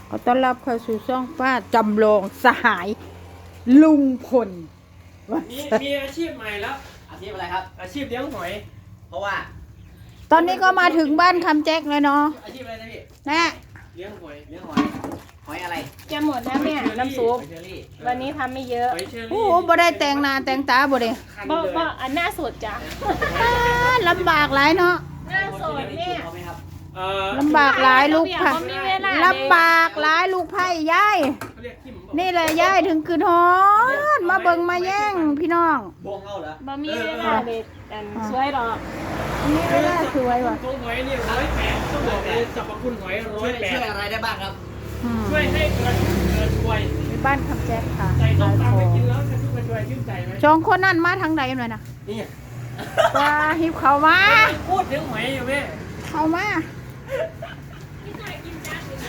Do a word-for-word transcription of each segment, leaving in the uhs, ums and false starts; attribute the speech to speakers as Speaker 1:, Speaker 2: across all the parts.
Speaker 1: ขอต้อนรับเข้าสู่ช่องป้าจำลองสหายลุงพล
Speaker 2: มีมีอาชีพใหม่แล้ว
Speaker 3: อาชีพอะไรครับ
Speaker 2: อาชีพเลี้ยงหอย
Speaker 3: เพราะว่า
Speaker 1: ตอนนี้ก็มาถึงบ้านคำแจ็คเลยเนาะ
Speaker 3: อาชีพอะไรนะพี่
Speaker 1: แน่
Speaker 2: เลี้ยงหอย
Speaker 3: เลี้ยงหอยหอยอะไร
Speaker 4: จะหมดแล้วเนี่ยน้ำซุป
Speaker 3: หอยเชอรี่
Speaker 4: วันนี้ทำไม่เยอะ
Speaker 2: หอยเชอรี่
Speaker 1: โอ้โหบ่ได้แต่งหน้าแต่งตาบ่ได้
Speaker 2: คัน
Speaker 4: บ่
Speaker 2: เลย
Speaker 4: บ่อันหน้าสดจ้ะ
Speaker 1: อ่าลำบากหลายเนาะ
Speaker 4: หน้าสดเนี่ย
Speaker 3: เอาไหมครับ
Speaker 2: เอ่อ
Speaker 1: ลำบากหลายลูกไผ่
Speaker 4: เขามีเวลา
Speaker 1: ลำบากหลายลูกไผ่ยาย
Speaker 2: เขาเรียกขิมบอก
Speaker 1: นี่แหละยายถึงคืนฮอนมาเบิ่งมาแย่งพี่น้อง
Speaker 3: บวงเอาเหรอ
Speaker 4: บ่มีเวลาเด็ดอันสวยหรอก
Speaker 1: นี่เวลาสวยว่ะ
Speaker 2: ตัวหอยนี่ร้อยแปดต้องบอกเลยสรรพคุณหอยร้อ
Speaker 3: ช่วย ย
Speaker 2: แป
Speaker 3: ช่
Speaker 2: ด
Speaker 3: วยอะไรได้บ้างครับ
Speaker 1: อืม
Speaker 2: ช่วยให้เกิดเกิดป่วย
Speaker 1: ในบ้านคำแจ็คค่ะ
Speaker 2: ใส่ต้
Speaker 1: ขาม ย
Speaker 2: ตำ
Speaker 1: ข
Speaker 2: ไป
Speaker 1: อง
Speaker 2: กินแล้วจะช่วยช่วยชื่นใจไหม
Speaker 1: สองคนนั่นมาทางไหนหน่อยนะ
Speaker 2: นี่
Speaker 1: ว่าหิบเขามา
Speaker 2: พูดถึงหอยอยู่แม่
Speaker 1: เขามา
Speaker 4: พี่ชายกินจ้าหรือไง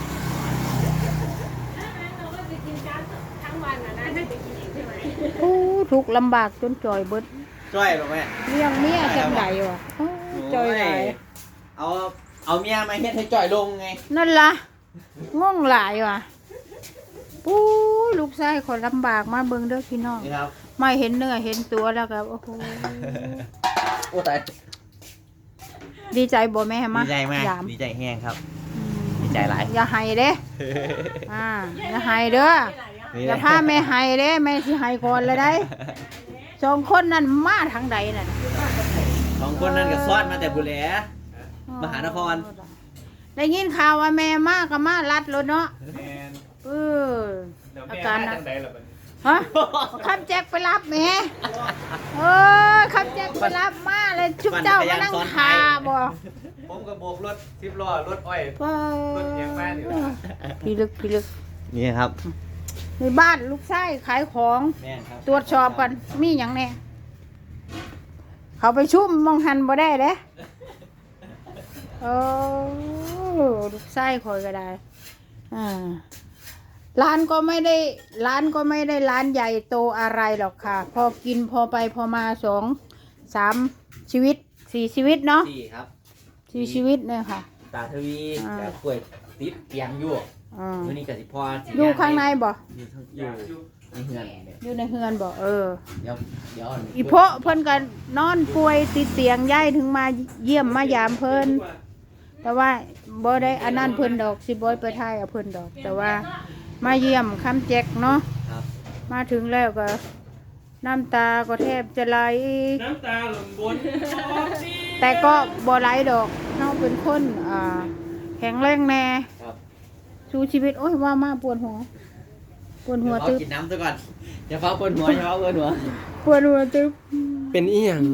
Speaker 4: เราก็จะกินจ้าทั้งวันนะนะได้ไปกินเองใช่ไหม
Speaker 1: โอ้ทุกข์ลำบากจนจ่อยเบิด
Speaker 3: ช่วยหรอแม่
Speaker 1: เลี้ยงเมียจังไดวะโอ้จ่อยหลาย
Speaker 3: เอาเอาเมียมาเฮ็ดให้จ่อยลงไง
Speaker 1: นั่นล่ะง่วงหลายว่ะปู้ยลูกชายคนลำบากมาเบิ่งเด้อพี่น้อง
Speaker 3: นี่ครับ
Speaker 1: ไม่เห็นเนื้อเห็นตัวแล้วครับโอ้โห
Speaker 3: โอ้ตาย
Speaker 1: ดีใจบ่แม่มา
Speaker 3: ดีใจมาก
Speaker 1: ยาม
Speaker 3: ดีใจแห้งครับ
Speaker 1: อืม
Speaker 3: ดีใจหลาย
Speaker 1: อย่าให้เด้อ่าอย่าให้เด้ออย่าพาแม่ให้เด้แม่สิให้ก่อนเลยได้สองคนนั้นมาทางใดน่ะ
Speaker 3: สองคนนั้นก็ซ้อนมาแต่บุแหล มหานคร
Speaker 1: ได้ยินข่าวว่าแม่มาก็มาลัดรถเนาะ
Speaker 2: แมน
Speaker 1: เออ
Speaker 2: เดี๋ยว
Speaker 1: อา
Speaker 2: แม่
Speaker 1: การ
Speaker 2: มา
Speaker 1: นะ
Speaker 2: จังใดล่ะบัดนี้
Speaker 1: ฮะขับแจ็คไปรับแม่เออขับแจ็คไปรับมาเลยชุบเจ้ามานั่งคาบ่
Speaker 2: ผมก็โบกรถสิบล้อรถอ้อย
Speaker 1: เออ
Speaker 2: รถเอียงมานี่ล่ะ
Speaker 1: พี่ลึกพี่ลึก
Speaker 3: นี่ครับ
Speaker 1: ในบ้านลูกชายขายของ
Speaker 3: แม่ครับ
Speaker 1: ตรวจสอบกันมีหยังแน่เขาไปชุ่มมองหันบ่ได้เด้โอ้ลูกชายคอยก็ได้อ่าร้านก็ไม่ได้ร้านก็ไม่ได้ร้านใหญ่โตอะไรหรอกค่ะ พอกินพอไปพอมาสองสามชีวิตสี่ชีวิตเนาะ
Speaker 3: สี่ครับ
Speaker 1: สี่ชีวิตเนี่ยค่ะ
Speaker 3: ตาทวี
Speaker 1: อ่า
Speaker 3: กับกล้วยติดเตียงอยู่
Speaker 1: อ่า
Speaker 3: มื้อนี้ก็สิพอสิ
Speaker 1: อยู่ข้างในบ่
Speaker 3: อยู่ข้างอยู่ในเฮือนเนี่ย
Speaker 1: อยู่ในเฮือนบ่เออ
Speaker 3: เดี๋ยวเดี๋ยว
Speaker 1: อีโพะเพิ่นก็นอนป่วยติดเตียงย้ายถึงมาเยี่ยมมายามเพิ่นแต่ว่าบ่ได้อันนั้นเพิ่นดอกสิบ่ไปถ่ายเอาเพิ่นดอก แต่ว่ามาเยี่ยมคำแจกเนาะ
Speaker 3: ครับ
Speaker 1: มาถึงแล้วก็น้ำตาก็แทบจะไหล
Speaker 2: น้ำตาหล่นบน
Speaker 1: แต่ก็บ่ไหลดอกเฮาเป็นคนอ่าแข็งแรงแน่
Speaker 3: ครับ
Speaker 1: สู้ชีวิตโอ้ยว่ามาปวดหัวปวดหัว
Speaker 3: เดี๋ยว
Speaker 1: ตึ๊บ
Speaker 3: เขากินน้ำซะก่อนอย่าเฝ้าปวดหัวอย่าเฝ้าปวดหัว
Speaker 1: ปวดหัวตึ๊บ
Speaker 2: เป็นอีหยัง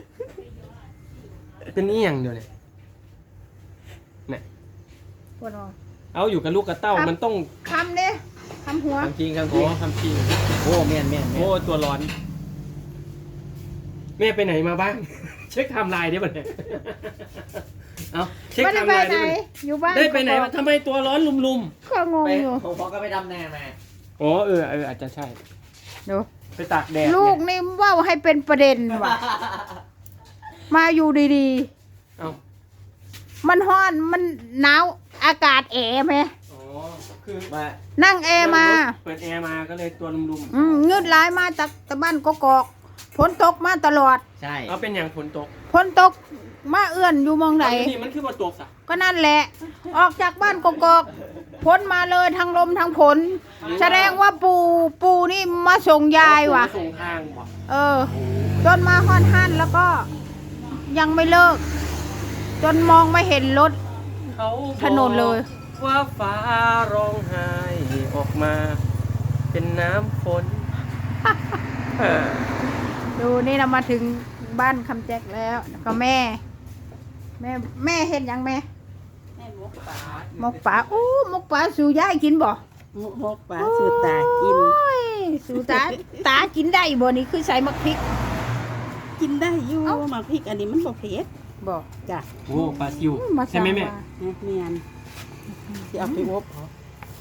Speaker 2: เป็นอีหยังเดี๋ยวนี้เนี่ย
Speaker 1: ปวดหัว
Speaker 2: เอาอยู่กับลูกกับเต้า
Speaker 1: ครับ
Speaker 2: มันต้อง
Speaker 1: คำเด้คำหัว
Speaker 3: คำจริงคำจ
Speaker 2: โอ้
Speaker 3: ริง
Speaker 2: คำจริง
Speaker 3: โอ้แม่นแม่นแม่
Speaker 2: โอ้
Speaker 3: น
Speaker 2: ตัวร้อน แม่ไปไหนมาบ้าง เช็คไทม์ไลน์ได้ป่ะเนี่ยเอาเช็ค
Speaker 1: ไม่
Speaker 2: ไท
Speaker 1: ได้
Speaker 2: ม์
Speaker 1: ไป
Speaker 2: ไลน์
Speaker 1: ไหน
Speaker 2: ได้ป่ะ
Speaker 1: อยู่บ้าน
Speaker 2: ได้ไปไหน
Speaker 1: ก็
Speaker 2: วะทำไมตัวร้อนลุม
Speaker 1: ก็งง
Speaker 3: ไป
Speaker 1: อยู่
Speaker 3: ผมพอก็ไปดำนามา
Speaker 2: ๆอ๋อเออเอออาจจะใช่
Speaker 1: ดู
Speaker 2: ไปตากแดด
Speaker 1: ลูก
Speaker 2: เนี่ย
Speaker 1: นี่เว่าให้เป็นประเด็นว่ะ มาอยู่ดี
Speaker 2: เอา
Speaker 1: ๆ มันร้อนมันหนาวอากาศแอร์ไหม
Speaker 2: อ๋อคือ
Speaker 3: มา
Speaker 1: นั่งแอร์มา
Speaker 2: เปิดแอร์มาก็เลยตัวลุม
Speaker 1: อืมเงืดร้ายมาจากตะบ้านกกอกฝนตกมาตลอด
Speaker 3: ใช่
Speaker 2: ๆเอาเป็นอย่างฝนตก
Speaker 1: ฝนตกมาเอื้อนอยู่หมองไหน
Speaker 2: เอานี่มันคือมาตกสะ
Speaker 1: ก็นั่นแหละ ออกจากบ้านกกอกพ้นมาเลยทั้งลมทั้งฝนแสดงว่าปูปูนี่มาส่งยายว่ะ
Speaker 2: ส่งทางว่ะ
Speaker 1: เออ จนมาห้อนหันแล้วก็ยังไม่เลิก จนมองไม่เห็นรถ
Speaker 2: เขา
Speaker 1: ถนนเลย
Speaker 2: บอกว่าฟ้าร้องไห้ออกมา เป็นน้ำฝน เออ
Speaker 1: ดูนี่เรามาถึงบ้านคำแจ็คแล้วแล้วก็แม่ แม่แม่เห็นยังแม่
Speaker 4: แม่หมกปลา
Speaker 1: หมกป่าอู้หมกป่าสู่ยายกินบ่
Speaker 4: หมกปลาสูตากิน
Speaker 1: โอ้ยสู่ตาตากินได้บ่นี่คือใส่มะพริก
Speaker 5: กินได้อยู่
Speaker 1: เอ้า
Speaker 5: หมากพริกอันนี้มันบ่เผ็ด
Speaker 1: บ่
Speaker 5: จ้ะ
Speaker 2: โอ้ปลาซิว
Speaker 1: มา
Speaker 2: ใช่ไหมแม่
Speaker 1: สั่งว่า
Speaker 5: นะเมียนสิเอาไปอบเอา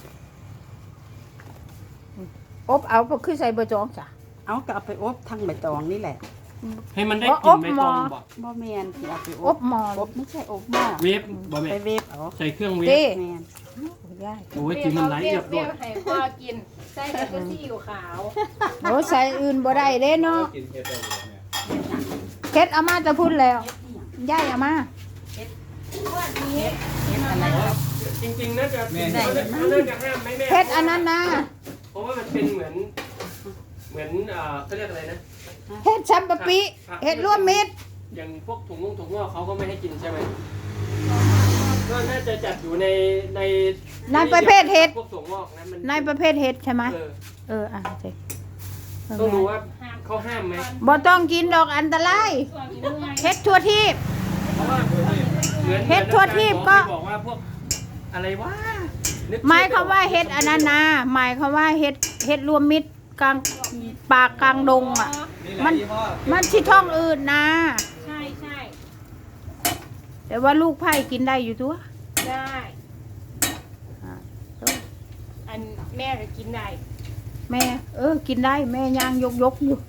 Speaker 1: อบเอาบ่คือใส่เบอร์จองจ้ะ
Speaker 5: เอาก็เอาไปอบทั้งใบตองนี่แหละ
Speaker 2: ให้มันได้
Speaker 1: อ๋
Speaker 2: กลิ่
Speaker 1: อน อบ
Speaker 2: ใบ
Speaker 1: หม้
Speaker 2: ต
Speaker 1: อ
Speaker 2: องบอก
Speaker 5: บ่แมนสิเอาไปอ
Speaker 1: อ
Speaker 5: บบ
Speaker 1: หมอ
Speaker 5: อบไม่ใช่อบหม้อ
Speaker 2: เวฟบอกแม่
Speaker 5: ไปเวฟเอา
Speaker 2: ใส่เครื่องเวฟ
Speaker 1: เด้
Speaker 5: แมน
Speaker 1: ย่าย
Speaker 2: โอ้ยกินมันไหลเรียบ
Speaker 4: เปรี้
Speaker 2: ร้
Speaker 4: ย
Speaker 2: อ
Speaker 4: วย ให้พ่อกินใส่แต่ก็ซีอิ๊วขาว
Speaker 1: โอ้ใส่อื่นบ่ได้เด้เนาะ
Speaker 3: กินเค็มได้เลยเนี่ย
Speaker 1: เฮ็ดเอามาจะพูดแล้วย่ายเอามา
Speaker 4: วันนี้
Speaker 2: จริงๆน่าจะน่าจะห้ามไหมแม่
Speaker 1: เฮ็ดอันนั้นนะ
Speaker 2: เพราะว่ามันเป็นเหมือน เหมือนเอ่อเขาเรียกอะไรนะ
Speaker 1: เฮ็ดซัมปะปิเฮ็ดร่วมมิตร
Speaker 2: อย่างพวกถุงงงถุงงอกเขาก็ไม่ให้กินใช่ไหมก็น่าจะจัดอยู่ในใน
Speaker 1: ในประเภทเห็ด
Speaker 2: พวกถุงงอกนะมัน
Speaker 1: ในประเภทเฮ็ดใช่ไหม
Speaker 2: เออ
Speaker 1: เอออ่ะเจ๊
Speaker 2: ต้องรู้ว่าเขาห้ามไหม
Speaker 1: บ่ต้องกินดอกอันตราย
Speaker 4: ส่วนเนื้อ
Speaker 1: เฮ็ดทั่วทีบ
Speaker 2: เพราะว่าเหมือน
Speaker 1: เฮ็ดทั่วทีปก็
Speaker 2: บอกว่าพวกอะไรวะนึก
Speaker 1: หมายความว่าเฮ็ดอันนั้นนะหมายความว่าเฮ็ดเฮ็ดรวมมิตรกลางป่ากลางดงอ่ะ
Speaker 3: นี่แหละ
Speaker 1: มัน
Speaker 3: ยี่ห้อ
Speaker 1: มันสิท้องอื่นนะ
Speaker 4: ใช่ใช่
Speaker 1: แต่ว่าลูกไผ่กินได้อยู่ตัว
Speaker 4: ได้
Speaker 1: อ่า
Speaker 4: อันแม่ก็กินได้
Speaker 1: แม่ เออ กินได้แม่ย่างยกยกๆอยู่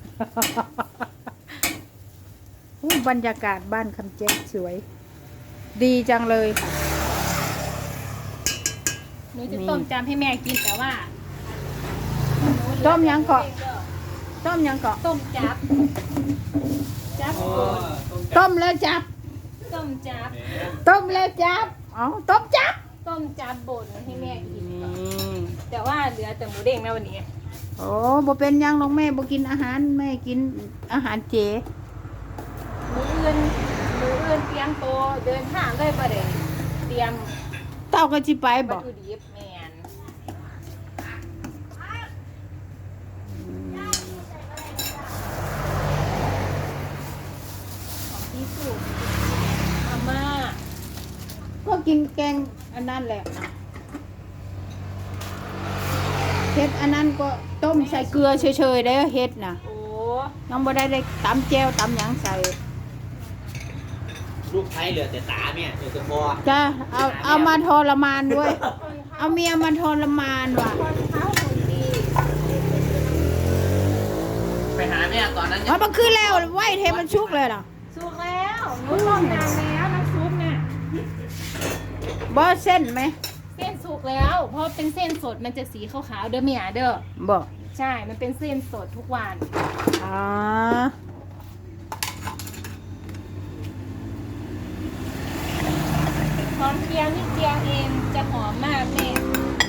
Speaker 1: โอ้บรรยากาศบ้านคำแจ้งสวย ดีจังเลยค่ะ
Speaker 4: หนูจะต้มจำให้แม่กินแต่ว่า
Speaker 1: ต้มยังเกาะ ต้มยังเกาะ
Speaker 4: ต้มจับ จับ
Speaker 3: โอ้
Speaker 4: โกน
Speaker 1: ต้มแล้วจับ
Speaker 4: ต้มจับ
Speaker 1: ต้มแล้วจับอ๋อต้มจับ
Speaker 4: ต้มจับบดให้แม่กิน
Speaker 1: อืม
Speaker 4: แต่ว่าเหลือแต่หมูเด้งนะวันนี้
Speaker 1: โอ้บ่เป็นหยังน้องแม่บ่กินอาหารแม่กินอาหารเจ
Speaker 4: หมูอื่นหมูอื่นเตรียมโตวเดินทางเลยประเดี๋ยวเตรียม
Speaker 1: เต้าก็สิไป
Speaker 4: วั
Speaker 1: บ่
Speaker 4: ตถุดิบแมนของที่สุดอาม่า
Speaker 1: ก็กินแกงอันนั้นแหละเฮ็ดอันนั้นก็ต้มใส่เกลือเฉยๆได้อเฮ็ดน่ะ
Speaker 4: โอ้
Speaker 1: ยังบ่ได้ได้ตำแจ่วตำหยังใส่
Speaker 3: ลูกไทยเหลือแต่ตาเนี่ยเหลือแต่คอ
Speaker 1: จ้าเอาเอามาทรมานด้วย เอาเมียมาทรมานว่ะ
Speaker 4: คนเท้าคนดี
Speaker 3: ไปหาแม่ตอนนั้น
Speaker 1: เอามันขึ้นแล้วไหวเทมันชุกเลยเหรอ
Speaker 4: สุกแล้วหนูต้มนานแล้วน้ำซุปเนี่ย
Speaker 1: บ่เส้นไหม
Speaker 4: เส้นสุกแล้ว เพราะเป็นเส้นสดมันจะสีขาวๆเด้อเมียเด้อ
Speaker 1: บ่
Speaker 4: ใช่ มันเป็นเส้นสดทุกวัน
Speaker 1: อ๋อ
Speaker 4: หอมเจียวนิดเดียวเองจะหอมมากแม่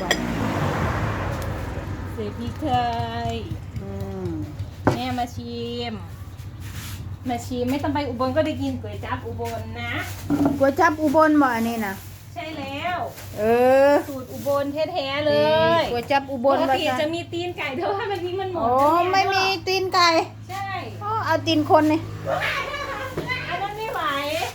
Speaker 4: ใส่พริกไทย
Speaker 1: อืม
Speaker 4: แม่มาชิม มาชิมไม่ต้องไปอุบลก็ได้กินก๋วยจั๊บอุบลนะ
Speaker 1: ก๋วยจั๊บอุบลบ่อันนี้น่ะ
Speaker 4: ใช่แล้ว
Speaker 1: เออ
Speaker 4: สูตรอุบลแท้ๆเลย
Speaker 1: ก๋วยจั๊บอุบ
Speaker 4: ป
Speaker 1: ล
Speaker 4: ก
Speaker 1: ว่า
Speaker 4: ติ
Speaker 1: ซั่
Speaker 4: จะ
Speaker 1: น
Speaker 4: มีตีนไก่เธอให้มันนี้มันหมด
Speaker 1: โอ้ไม่มีตีนไก่
Speaker 4: ใช่
Speaker 1: อ๋อเอาตีนคนนี่
Speaker 4: อันนั้นไม่ไหว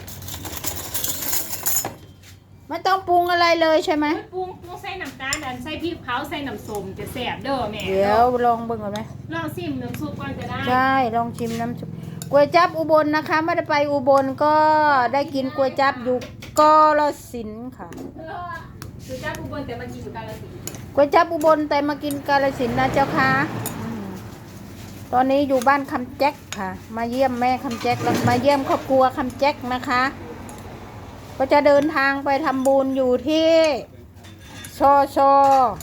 Speaker 1: ไม่ต้องปรุงอะไรเลยใช่ไหม
Speaker 4: ปรุงปรุงใส่น้ำตาลอันใส่พริกเผาใส่น้ำส้มจะแซ่บเด้อแม่
Speaker 1: เดี๋ยวลองเบิ่งก่อนไหม
Speaker 4: ลองชิมน้ำซุปก่อนก็ได้
Speaker 1: ใช่ลองชิมน้ำซุปก๋วยจั๊บอุบลนะคะไม่ได้ไปอุบลก็ได้กินก๋วยจั๊บอยู่กาฬสินธุ์ค่ะ
Speaker 4: คือจ้าอุบลแต่มันกินอยู่กาฬสินธุ์
Speaker 1: ก๋วยจั๊บอุบลแต่มากินกาฬสินธุ์นะเจ้าค่ะอืมตอนนี้อยู่บ้านคำแจ็คค่ะ มาเยี่ยมแม่คำแจ็คแล้วมาเยี่ยมครอบครัวคำแจ็คนะคะ ก็จะเดินทางไปทำบุญอยู่ที่ชอชอ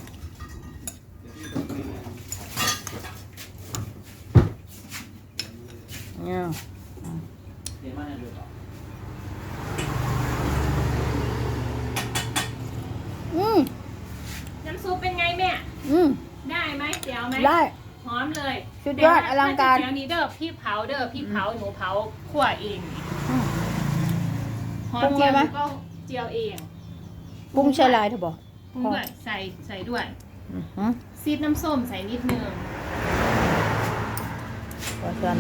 Speaker 1: เนี่ย
Speaker 3: เดี๋ยวมาให้ดูต่อ
Speaker 1: อืม
Speaker 4: น้ำซุปเป็นไงแม่
Speaker 1: อืม
Speaker 4: ได้ไหมเจียวไหม
Speaker 1: ได้
Speaker 4: หอมเลย
Speaker 1: สุดยอดอลังการ
Speaker 4: เจียวนี้เด้อพี่เผาเด้อพี่เผาหนูเผาคั่วเอง
Speaker 1: อืม
Speaker 4: หอ
Speaker 1: ปรุ
Speaker 4: ม
Speaker 1: ง
Speaker 4: เจียว
Speaker 1: เลยไหม
Speaker 4: หนูก็เจียวเอง
Speaker 1: ปรุงใช่ลายเถอะบอก
Speaker 4: ปรุงด้วยใส่ใส่ด้วย
Speaker 1: อือหือ
Speaker 4: ซีดน้ำส้มใส่นิดนึง
Speaker 1: ว่าซั่น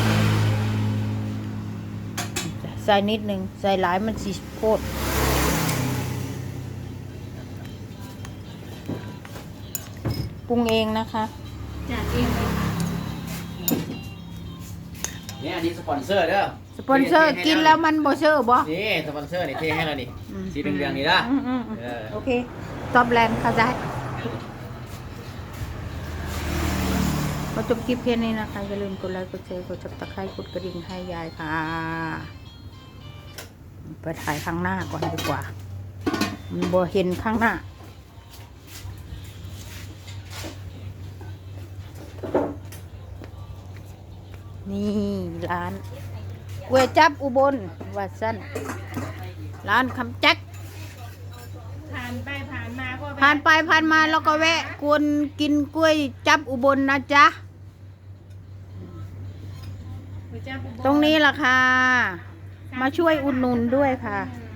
Speaker 1: ใส่นิดหนึ่งใส่หลายมันสีโคตรปรุงเองนะคะ
Speaker 4: จัดเองเลยค่ะ
Speaker 3: เนี่ยอันนี้สปอนเซอร์เด้อ
Speaker 1: สปอนเซอร์กินแล้วมันบ่เซอร์บ่
Speaker 3: นี่สปอนเซอร์นี่เทให้เรานี่
Speaker 1: อืม
Speaker 3: สีเหลืองๆนี่นะ
Speaker 1: อืมอืมอืม
Speaker 3: เออ
Speaker 1: โอเคตอบแลนด์เข้าใจมาจบคลิปเพียงนี้นะคะอย่าลืมกดไลค์กดแชร์กดซับสไครต์กดกระดิ่งให้ยายค่ะไปถ่ายข้างหน้าก่อนดีกว่ามันบ่เห็นข้างหน้านี่ร้านก๋วยจับอุบลวัดสั้นร้านคำแจ็ค
Speaker 4: ผ่านไปผ่านมาก็แวะ
Speaker 1: ผ่านไปผ่านมาแล้วก็แวะกวนกินกล้วยจับอุบลนะจ๊ะ
Speaker 4: ก๋วยจั๊บอุบล
Speaker 1: ตรงนี้ล่ะค่ะ มาช่วยอุดหนุนด้วยค่ะ
Speaker 4: อืม